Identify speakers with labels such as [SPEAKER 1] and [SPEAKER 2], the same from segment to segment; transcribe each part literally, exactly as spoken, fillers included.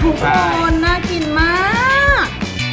[SPEAKER 1] ทุกคนน่ากินมาก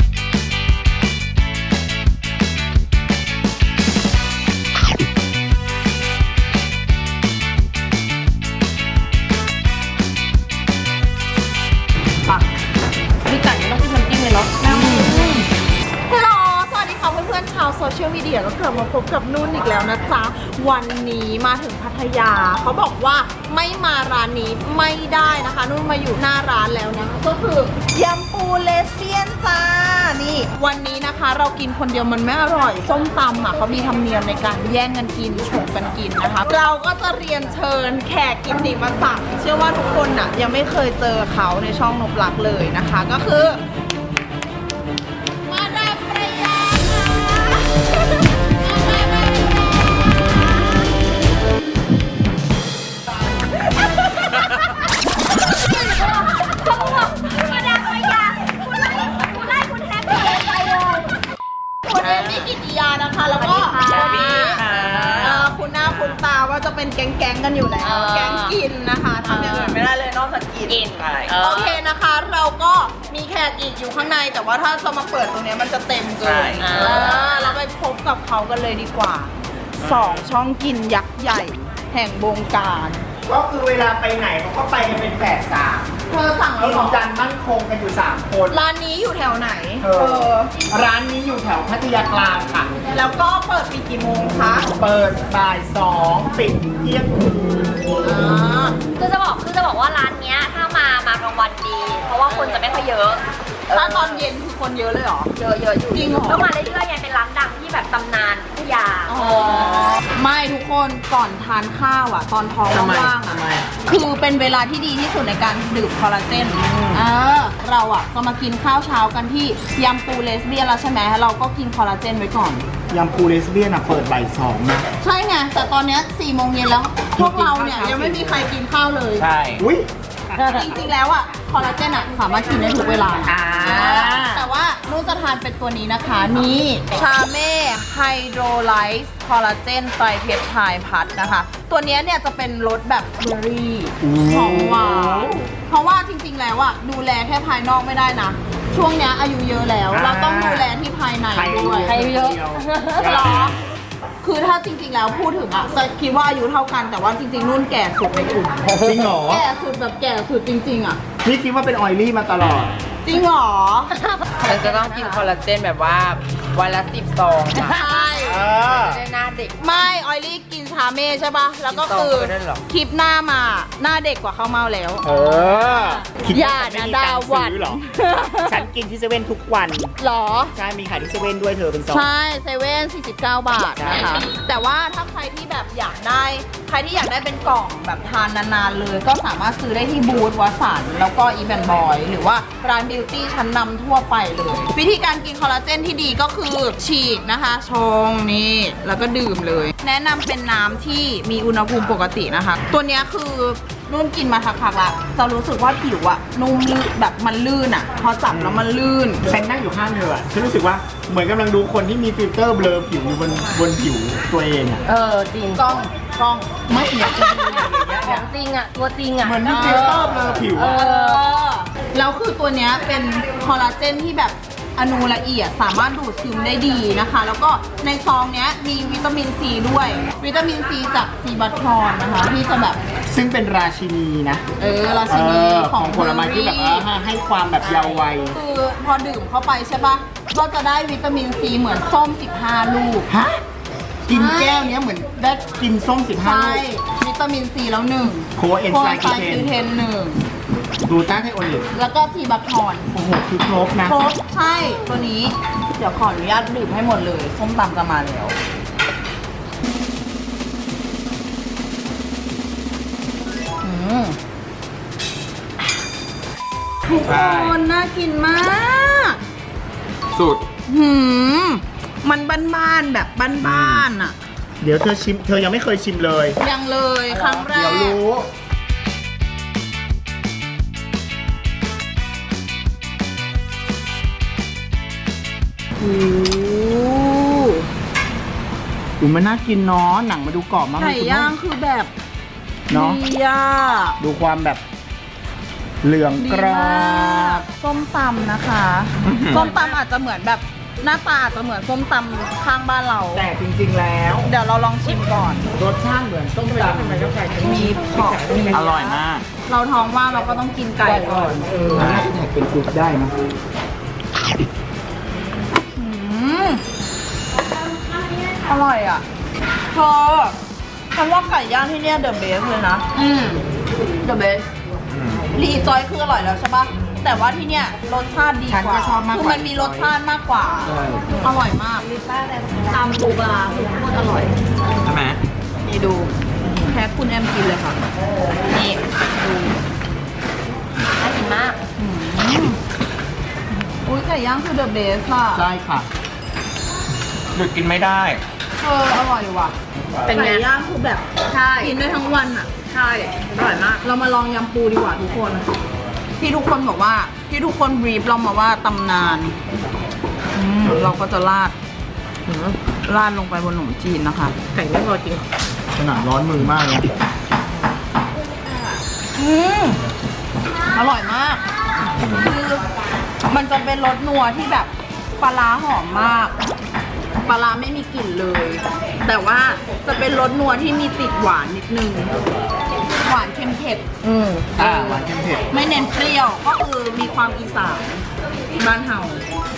[SPEAKER 1] ปักนี่ไก่ไม่ต้องจิ้มน้ำจิ้มเลยเนาะฮัลโหลสวัสดีค่ะเพื่อนๆชาวโซเชียลมีเดียก็กลับมาพบกับนุ่นอีกแล้วนะจ๊ะวันนี้มาถึงพัทยาเขาบอกว่าไม่มาร้านนี้ไม่ได้นะคะนุ่นมาอยู่หน้าร้านแล้วนะก็คือยำปูเลสเบี้ยนจ้านี่วันนี้นะคะเรากินคนเดียวมันไม่อร่อยส้มตำอ่ะเขามีธรรมเนียมในการแย่งกันกินฉกกันกินนะคะเราก็จะเรียนเชิญแขกกิตติมศักดิ์เชื่อว่าทุกคนอ่ะยังไม่เคยเจอเขาในช่องนบลักเลยนะคะก็คือมาดามประยา
[SPEAKER 2] มาดามประยาคุณไล่คุณไล่คุณแฮปปี้ไปเลย
[SPEAKER 1] คุณเอมี่กิติยานะคะแล้วก็คุณหน้าคุณตาว่าจะเป็นแก๊งๆกันอยู่แล้วแก๊งกินนะคะทำอย่างอื่นไม่ได้เลยนอกจากกินโอเคนะคะเราก็มีแขกอีกอยู่ข้างในแต่ว่าถ้าจะมาเปิดตรงนี้มันจะเต็มเกินเราไปพบกับเขากันเลยดีกว่าสองช่องกินยักษ์ใหญ่แห่งวงการ
[SPEAKER 3] ก็คือเวลาไปไหนเขาก็ไปกันเป็นแฝดสาม
[SPEAKER 1] เธอสั่งแล้ว
[SPEAKER 3] กิ
[SPEAKER 1] หร
[SPEAKER 3] น
[SPEAKER 1] อ
[SPEAKER 3] จันมั่นคงกันอยู่สามคน
[SPEAKER 1] ร้านนี้อยู่แถวไหนเธอ
[SPEAKER 3] ร้านนี้อยู่แถวพัทยากลางค่ะ
[SPEAKER 1] แล้วก็เปิดปีกี่โมงคะ
[SPEAKER 3] เปิดบ่ายสองปิดเที่ยงคืน
[SPEAKER 2] คือจะบอกคือจะบอกว่าร้านเนี้ยถ้ามามากลางวันดี เพราะว่าคนจะไม่ค่อยเยอะ
[SPEAKER 1] ถ้าตอนเย็นคือคนเยอะเลยเหรอ
[SPEAKER 2] เยอะเยอะอยู่
[SPEAKER 1] จริงเหรอ
[SPEAKER 2] ก็มาเรื่อยๆยังเป็นร้านดังที่แบบตำนานพัทยา
[SPEAKER 1] ไม่ทุกคนก่อนทานข้าวอ่ะตอนท้องว่างๆอ่ะคือเป็นเวลาที่ดีที่สุดในการดื่มคอลลาเจนเออเราอ่ะจะมากินข้าวเช้ากันที่ยำปูเลสเบี้ยนแล้วใช่ไหมเราก็กินคอลลาเจนไว้ก่อน
[SPEAKER 3] ยำปูเลสเบี้ยนอ่ะเปิดบ่ายสองนะ
[SPEAKER 1] ใช่ไงแต่ตอนเนี้ยสี่โมงเย็นแล้วพวกเราเนี่ยยังไม่มีใครกินข้าวเลย
[SPEAKER 3] ใช่อุ้ย
[SPEAKER 1] จริงๆแล้วอ่ะคอลลาเจนอ่ะสามารถกินได้ทุกเวลาแต่ว่านุ่นจะทานเป็นตัวนี้นะคะนี่ชาเม่ไฮโดรไลซ์คอลลาเจนไตรเพปไทด์พัทนะคะตัวนี้เนี่ยจะเป็นรสแบบเบอร์รี่หอมหวานเพราะว่าจริงๆแล้วอ่ะดูแลแค่ภายนอกไม่ได้นะช่วงนี้อายุเยอะแล้วเราต้องดูแลที่ภายในด้วย
[SPEAKER 2] ใครเยอะ
[SPEAKER 1] หรอคือถ้าจริงๆแล้วพูดถึงอ่ะจะคิดว่าอายุเท่ากันแต่ว่าจริงๆนุ่นแก่สุดในกลุ่ม
[SPEAKER 3] จริงเหรอ
[SPEAKER 1] แก่สุดแบบแก่สุดจริงๆอ่ะ
[SPEAKER 3] พี่คิดว่าเป็นออยลี่มาตลอด
[SPEAKER 1] จริงเหรอ
[SPEAKER 4] ฉันจะต้องกินคอลลาเจนแบบว่าวันละสิบซอง
[SPEAKER 1] ใช่
[SPEAKER 4] จะได้หน้าเด็ก
[SPEAKER 1] ไม่ออยลี่กินชาเม่ใช่ป่ะแล้วก็คือคลิปหน้ามาหน้าเด็กกว่าข้าวเม่าแล้ว
[SPEAKER 3] เออ
[SPEAKER 1] อย่านะดาวัน
[SPEAKER 3] หรอฉันกินที่เซเว่นทุกวัน
[SPEAKER 1] หรอ
[SPEAKER 3] ใช่มีขายที่เซเว่นด้วยเธอเป็นซอง
[SPEAKER 1] ใช่เซเว่นสี่สิบเก้าบาทนะคะแต่ว่าถ้าใครที่แบบอยากได้ใครที่อยากได้เป็นกล่องแบบทานนานๆเลยก็สามารถซื้อได้ที่บูธวัสันแล้วก็อีแบนบอยหรือว่าร้านบิวตี้ชั้นนำทั่วไปเลยวิธีการกินคอลลาเจนที่ดีก็คือฉีกนะคะชงนี่แล้วก็ดื่มเลยแนะนำเป็นน้ำที่มีอุณหภูมิปกตินะคะตัวนี้คือนุ่นกินมาสักพักละจะรู้สึกว่าผิวอะนุ่มลื่นแบบมันลื่นอะพอจับแล้วมันลื่น
[SPEAKER 3] ฉันนั่งอยู่ข้างเธอฉันรู้สึกว่าเหมือนกำลังดูคนที่มีฟิลเตอร์เบลอผิวอยู่บนบนผิวตัวเองอะ
[SPEAKER 1] เออจริงกล้องกล้องไม่เอียดจริง
[SPEAKER 2] ของจริงอะตัวจริงอะ
[SPEAKER 3] เหมือนมีฟิลเตอร์เบลอผิวอะ
[SPEAKER 1] แล้วคือตัวเนี้ยเป็นคอลลาเจนที่แบบอนูละเอียดสามารถดูดซึมได้ดีนะคะแล้วก็ในซองเนี้ยมีวิตามินซีด้วยวิตามินซีจากซีบัตทรอนนะคะที่จะแบบ
[SPEAKER 3] ซึ่งเป็นราชินีนะ
[SPEAKER 1] เออราชินีของ
[SPEAKER 3] ผลไม้ที่แบบให้ความแบบเยาว์วัย
[SPEAKER 1] คือพอดื่มเข้าไปใช่ปะก็จะได้วิตามินซีเหมือนส้มสิบห้าลูก
[SPEAKER 3] ฮะกินแก้วนี้เหมือนได้กินส้มสิบห้าลูก
[SPEAKER 1] ใช่วิตามินซีแล้วหนึ่ง
[SPEAKER 3] โคเอนไซม์คิเท
[SPEAKER 1] นหนึ่ง
[SPEAKER 3] ดูต้าไทโอลิก
[SPEAKER 1] แล้วก็ซีบัตทรอน
[SPEAKER 3] โอ้โหคือครบนะ
[SPEAKER 1] ครบใช่ตัวนี้เดี๋ยวขออนุญาตดื่มให้หมดเลยส้มตำจะมาแล้วทุกคนน่ากินมาก
[SPEAKER 3] สุด
[SPEAKER 1] หืมมันบ้านๆแบบบ้านๆอ่ะ
[SPEAKER 3] เดี๋ยวเธอชิมเธอยังไม่เคยชิมเลย
[SPEAKER 1] ยังเลยครั้งแรก
[SPEAKER 3] เดี๋ยวรู้
[SPEAKER 1] โอ้
[SPEAKER 3] อูมันน่ากินเนาะหนังมาดูกรอบมาก
[SPEAKER 1] ไก่ย่างคือแบบ
[SPEAKER 3] เนาะ
[SPEAKER 1] ดีอ่ะ
[SPEAKER 3] ดูความแบบเหลืองกรอบ
[SPEAKER 1] ส้มตำนะคะ
[SPEAKER 3] อื้อหือ
[SPEAKER 1] ส้มตำอาจจะเหมือนแบบหน้าตาอาจจะเหมือนส้มตำข้างบ้านเรา
[SPEAKER 3] แต่จริงๆแล้ว
[SPEAKER 1] เดี๋ยวเราลองชิมก่อน
[SPEAKER 3] รสชาติเหมือนส้มตำ
[SPEAKER 1] มีผัก
[SPEAKER 3] อร่อยมาก
[SPEAKER 1] เราท้องว่างเราก็ต้องกินไก่ก่อน
[SPEAKER 3] เออน่าจะแท็กเป็นกรุ๊ปได้นะ
[SPEAKER 1] อืมอร่อยอ่ะเธอฉันว่าไก่ย่างที่เนี่ยเดอะเบสเลยนะ
[SPEAKER 2] อืม
[SPEAKER 1] เดอะเบสรีจอยคืออร่อยแล้วใช่ปะแต่ว่าที่เนี่ยรสชาติดี
[SPEAKER 3] ฉัน
[SPEAKER 1] ก
[SPEAKER 3] ก็
[SPEAKER 1] ว่า
[SPEAKER 3] ชอบมากกว่า
[SPEAKER 1] คือมันมีรสชาติมากกว่า
[SPEAKER 3] ใช่
[SPEAKER 1] อร่อยมาก
[SPEAKER 2] ตามปูปลาคือโคตรอร่อย
[SPEAKER 3] ใช่ไหม
[SPEAKER 1] นี่ดูแพ็คคุณแอมกินเลยค่ะ นี่ดู
[SPEAKER 2] น่ากินมาก
[SPEAKER 1] อืมอุ้ยไก่ย่างคือเดอะเบสอ่ะ
[SPEAKER 3] ใช่ค่ะหยุดกินไม่ได้
[SPEAKER 1] เอออร่อยว่ะ
[SPEAKER 2] เป็นไง
[SPEAKER 1] ไก่ย่างคือแบบ
[SPEAKER 2] ใช่
[SPEAKER 1] กินได้ทั้งวันอ่ะ
[SPEAKER 2] ใช่อร่อยมาก
[SPEAKER 1] เรามาลองยำปูดีกว่าทุกคน ที่ทุกคนบอกว่า ที่ทุกคนบรีฟเรามาว่าตำนานอืมเราก็จะราดราดลงไปบนขนมจีนนะคะ
[SPEAKER 2] ไก่ไม่พอจริง
[SPEAKER 3] ขนาดร้อนมือมากเลย
[SPEAKER 1] อืมอร่อยมากคือมันจะเป็นรสนัวที่แบบปลาร้าหอมมากปลาร้าไม่มีกลิ่นเลย แต่ว่าจะเป็นรสนัวที่มีติดหวานนิดนึงหวานเค็มเผ็ด
[SPEAKER 2] อืม
[SPEAKER 3] อ่าหวานเค็มเผ็ด
[SPEAKER 1] ไม่เน้นเปรี้ยวก็คือมีความอีสานบ้านเฮา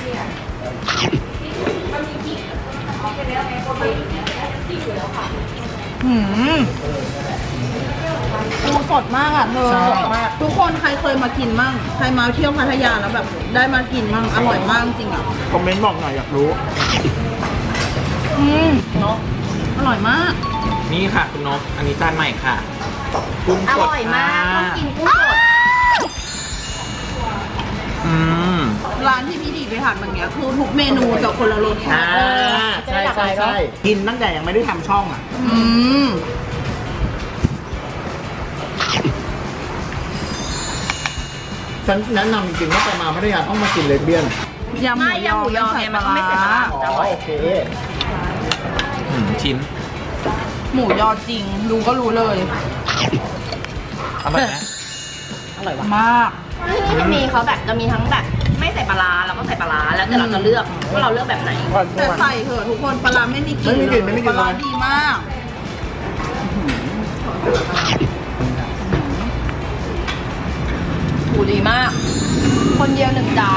[SPEAKER 1] หืมปูสดมากอ่ะเธอ
[SPEAKER 3] ใช่
[SPEAKER 1] สดมาก ทุกคนใครเคยมากินมั่งใครมาเที่ยวพัทยาแล้วแบบ ได้มากินมั่งอร่อยมากจริงอ่ะ
[SPEAKER 3] คอมเมนต์บอกหน่อยอยากรู้
[SPEAKER 1] อืมเนาะอร่อยมาก
[SPEAKER 5] นี่ค่ะคุณนก อันนี้จานใหม่ค่ะ กุ้ง
[SPEAKER 2] อ
[SPEAKER 5] สด
[SPEAKER 2] ร่อยมากต้องกินกุ้งสด
[SPEAKER 5] อืม
[SPEAKER 1] ร้านที่พี่ดีไปทานบางเนี้ยคือทุกเมนูจะคนละรสชา
[SPEAKER 3] อ่า
[SPEAKER 1] ติ
[SPEAKER 3] ใช่ใช่ใช่กินตั้งแต่ยังไม่ได้ทำช่องอ่ะ
[SPEAKER 1] อืม
[SPEAKER 3] ฉันแนะนำจริงๆว่าไปมาพัทยาต้องมากินเลสเบี้ยน
[SPEAKER 1] ยำหมู
[SPEAKER 2] ไม่
[SPEAKER 1] ย
[SPEAKER 2] ยำหมูยอ
[SPEAKER 1] ใส่
[SPEAKER 2] ไงมันก็ไม่ใส่ปลาร้า
[SPEAKER 3] อ๋
[SPEAKER 2] จะอ
[SPEAKER 3] อ
[SPEAKER 2] ร่อย
[SPEAKER 3] โอเค
[SPEAKER 5] อืมชิ้น
[SPEAKER 1] หมูยอจริงดูก็รู้เลย
[SPEAKER 5] อร่อยไหม
[SPEAKER 2] อร่อยว่ะ
[SPEAKER 1] มาก
[SPEAKER 2] ที่นี่จะมีเขาแบบจะมีทั้งแบบไม่ใส่ปลาร้าแล้วก็ใส่ปลาร้าแล้วแต่เราจะเลือกว่าเราเลือกแบบไหน
[SPEAKER 1] แต่ใส่เถอะทุกคนปลาร้าไม่มีกลิ่น
[SPEAKER 3] ไม่มีกลิ่นไม่มีกลิ่น
[SPEAKER 1] ปลาร้า
[SPEAKER 3] เลย
[SPEAKER 1] ดีมาก
[SPEAKER 2] หูดีมาก คนเดียวหนึ่งจาน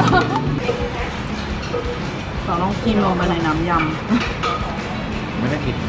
[SPEAKER 1] เราต้องกินลงไปในน้ำย
[SPEAKER 5] ไม่ได้กิน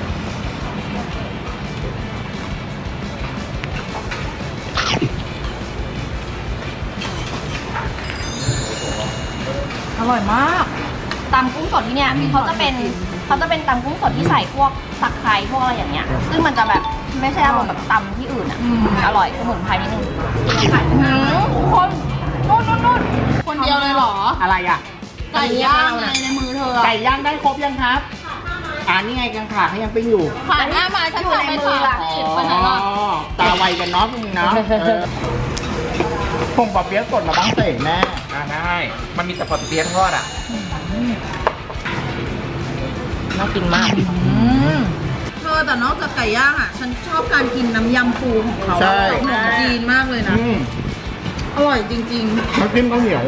[SPEAKER 1] ำอร่อยมาก
[SPEAKER 2] ตำกุ้งสดที่เนี่ยเขาจะเป็นเขาจะเป็นตำกุ้งสดที่ใส่พวกตะไคร้พวกอะไรอย่างเงี้ย ซึ่งมันจะแบบไม่ใช่อารมณ์แบบตำที่อื่นอ่ะ
[SPEAKER 1] อืม
[SPEAKER 2] อร่อยสมุนไพรนิดนึง
[SPEAKER 1] หืมคนนู่นนู่นนู่นคนเดียวเลยเหรอ
[SPEAKER 3] อะไรอ่ะ
[SPEAKER 1] ไก่ย่างไงในมือเธอ
[SPEAKER 3] ไก่ย่างได้ครบยังครับ อ่านี่ไงกังขาเขายังปิ้งอยู่
[SPEAKER 1] ผ่านหน้ามาฉันสั่งไปสามสิบไปไหนล่ะ
[SPEAKER 3] อ๋อตาไวกันเนาะพวกมึงเนาะเออผงปอเปี๊ยะสดมาบ้างเตะแม่
[SPEAKER 5] อ่าได้ มันมีแต่ปอเปี๊ยะทอดอ่ะ
[SPEAKER 2] น่ากินมาก
[SPEAKER 1] เธอแต่นอกจากไก่ย่างอ่ะ ฉันชอบการกินน้ำยำปูของเขา
[SPEAKER 3] ใช่
[SPEAKER 1] กับขนมจีนมากเลยนะ
[SPEAKER 3] อืม
[SPEAKER 1] อร่อยจริง
[SPEAKER 3] น้ำจิ้มข้าวเหนียว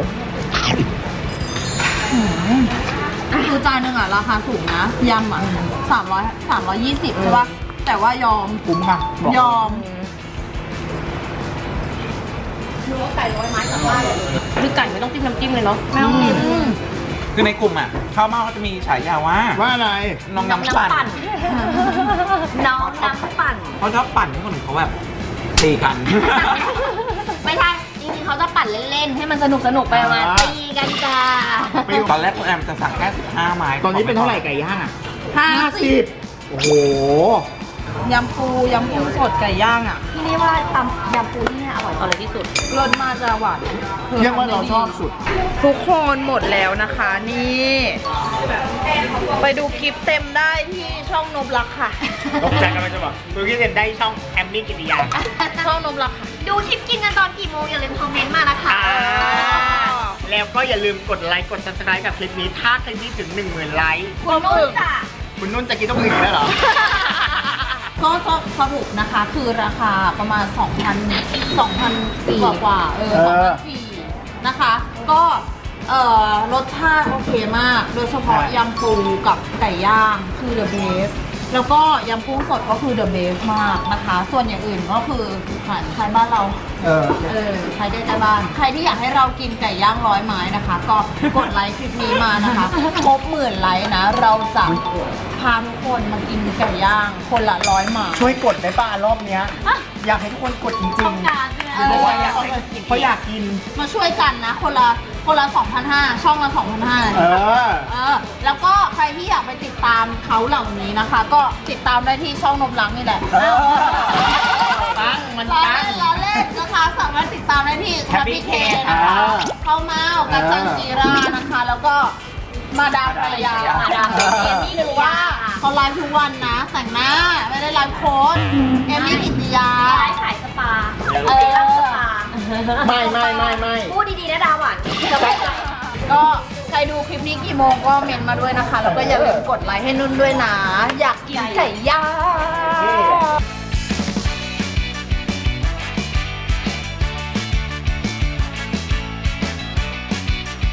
[SPEAKER 1] ๆคือจานหนึ่งอ่ะราคาสูงนะยำอ่ะสามร้อยสามร้อยยี่สิบใช่ปะแต่ว่ายอม
[SPEAKER 3] คุ้มค่ะบอก
[SPEAKER 1] ยอม
[SPEAKER 2] รู้ว่าไก่ร้อยไม้กลับบ้านเลยคือไก่ไม่ต้องจิ้มน้ำจิ้มเลยเนาะไม่ต้องจิ้ม
[SPEAKER 5] คือในกลุ่มอ่ะข้าวเม่าเขาจะมีฉายาว่า
[SPEAKER 3] ว่าอะไร
[SPEAKER 5] น้องน้ำปั่น
[SPEAKER 2] น้องน้ำปั่น
[SPEAKER 5] เขาชอบปั่นให้คนอื่นเขาแบบตีกัน
[SPEAKER 2] ไม่ใช่จริงๆเขาจะปั่นเล่นๆ ให้มันสนุกสนุกๆไปมา
[SPEAKER 3] อ่า
[SPEAKER 2] ตีกันจ้า
[SPEAKER 5] ตอนแรกคุณแอมจะสั่งแค่สิบห้าไม้
[SPEAKER 3] ตอนนี้เป็นเท่าไหร่ไก่ย่างอ่ะ
[SPEAKER 1] ห้าสิบ
[SPEAKER 3] โอ้โห
[SPEAKER 1] ยำปูยำปูสดไก่ย่างอ่ะ
[SPEAKER 2] ที่นี่ว่าตำยำปูที่นี่อร่อยอร่อยที่สุด
[SPEAKER 1] รสมาจะหวาน
[SPEAKER 3] เรียกว่าเราชอบสุด
[SPEAKER 1] ทุกคนหมดแล้วนะคะนี่ ไปดูคลิปเต็มได้ที่ช่องนบลักค่ะ
[SPEAKER 3] ตกใจกำลังจะบอกดูที่เด่นได้ช่องแอมมี่กิติยา
[SPEAKER 1] ช่องนบลักค่ะ
[SPEAKER 2] ดูคลิปกินกันตอนกี่โมงอย่าลืมคอมเมนต์มานะคะ
[SPEAKER 3] แล้วก็อย่าลืมกดไลค์กด ซับสไครบ์ กับคลิปนี้ถ้าคลิปนี้ถึงหนึ่งหมื่นไลค์
[SPEAKER 2] คุณนุ่นจ้ะ
[SPEAKER 3] คุณนุ่นจะกินต้องอื่นอีกแล้วเหรอ
[SPEAKER 1] ก็จะสรุปนะคะคือราคาประมาณ 2,000 2,000 กว่ากว่าๆเออ
[SPEAKER 3] เออ
[SPEAKER 1] 2,400 นะคะ ก็เอ่อรสชาติโอเคมาก โดยเฉพาะยำปูกับไก่ย่างคือ the best แล้วก็ยำกุ้งสดก็คือ the best มากนะคะ ส่วนอย่างอื่นก็คือขายขายบ้านเรา
[SPEAKER 3] เออ
[SPEAKER 1] เออใครใกล้ๆบ้าน ใครที่อยากให้เรากินไก่ย่างร้อยไม้นะคะ ก็กดไลค์คลิปนี้มานะคะ ครบหมื่นไลค์นะ เราจะพาทุกคนมากินไก่ย่างคนละร้อยไม้
[SPEAKER 3] ช่วยกดได้ป่ะรอบเนี้ย อยากให้ทุกคนกดจริง
[SPEAKER 2] ต้องการใช่ไหม
[SPEAKER 3] ๆเพราะว่าอยากให้เพราะอยากกิน
[SPEAKER 1] มาช่วยกันนะ คนละคนละ 2,500 ช่องละ 2,500
[SPEAKER 3] เออ
[SPEAKER 1] เออ แล้วก็ใครที่อยากไปติดตามเขาเหล่านี้นะคะ ก็ติดตามได้ที่ช่องนมลังนี่แหละ
[SPEAKER 3] เออ
[SPEAKER 5] ตั้งมัน
[SPEAKER 1] ล้อ
[SPEAKER 5] ตั้ง
[SPEAKER 1] เล่นล้อเล่นนะคะสามารถติดตามได้ที่
[SPEAKER 5] Happy
[SPEAKER 1] K
[SPEAKER 5] Cake
[SPEAKER 1] นะคะ
[SPEAKER 3] อ่า
[SPEAKER 1] เข้ามากันจันจีรานะคะ แล้วก็มาดามภรรยา
[SPEAKER 2] มาดาม
[SPEAKER 1] เอ
[SPEAKER 2] เอ
[SPEAKER 1] ม
[SPEAKER 2] มี่
[SPEAKER 1] มี่
[SPEAKER 2] กิ
[SPEAKER 1] หรื
[SPEAKER 2] ติ
[SPEAKER 1] อว่าย
[SPEAKER 2] า
[SPEAKER 1] เขาไลฟ์ทุกวันนะ แต่งหน้าไม่ได้ไลฟ์โค้ดเอมมี่กิติยา
[SPEAKER 2] ไลฟ์ขายสปา
[SPEAKER 1] เออ
[SPEAKER 2] เซรั่มสปา
[SPEAKER 3] ไม่ไม่ไม่ไม่
[SPEAKER 2] พูดดีๆนะดาหวันจะไม่ไหว
[SPEAKER 1] ก็ใครดูคลิปนี้กี่โมงก็เมนมาด้วยนะคะ แล้วก็อย่าลืมกดไลค์ให้นุ่นด้วยนะ อยากกินไก่ย่าง